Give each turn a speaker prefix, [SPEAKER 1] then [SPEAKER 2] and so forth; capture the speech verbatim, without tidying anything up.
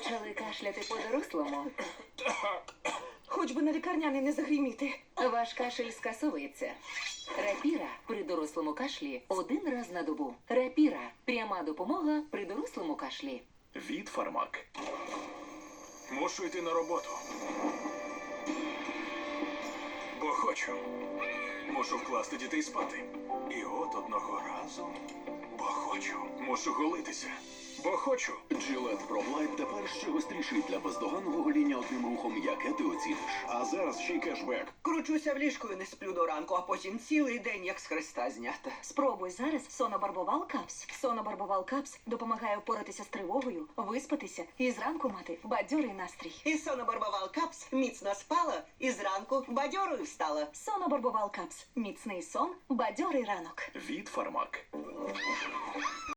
[SPEAKER 1] Почали кашляти по-дорослому.
[SPEAKER 2] Хоч би на лікарняний не загриміти.
[SPEAKER 1] Ваш кашель скасовується. Рапіра при дорослому кашлі один раз на добу. Рапіра – пряма допомога при дорослому кашлі.
[SPEAKER 3] Від Фармак. Мушу йти на роботу. Бо хочу. Мушу вкласти дітей спати. І от одного разу. Бо хочу. Мушу голитися. Бо хочу.
[SPEAKER 4] Gillette Pro Light тепер ще гостріший для бездоганного гоління одним рухом, яке ти оціниш.
[SPEAKER 3] А зараз ще й кешбек.
[SPEAKER 2] Кручуся в ліжку і не сплю до ранку, а потім цілий день як з хреста знята.
[SPEAKER 5] Спробуй зараз Сонобарбовал Капс. Сонобарбовал Капс допомагає впоратися з тривогою, виспатися і зранку мати бадьорий настрій.
[SPEAKER 2] І сонобарбовал капс міцно спала і зранку бадьорою встала.
[SPEAKER 5] Сонобарбовал Капс. Міцний сон, бадьорий ранок.
[SPEAKER 3] Від Фармак.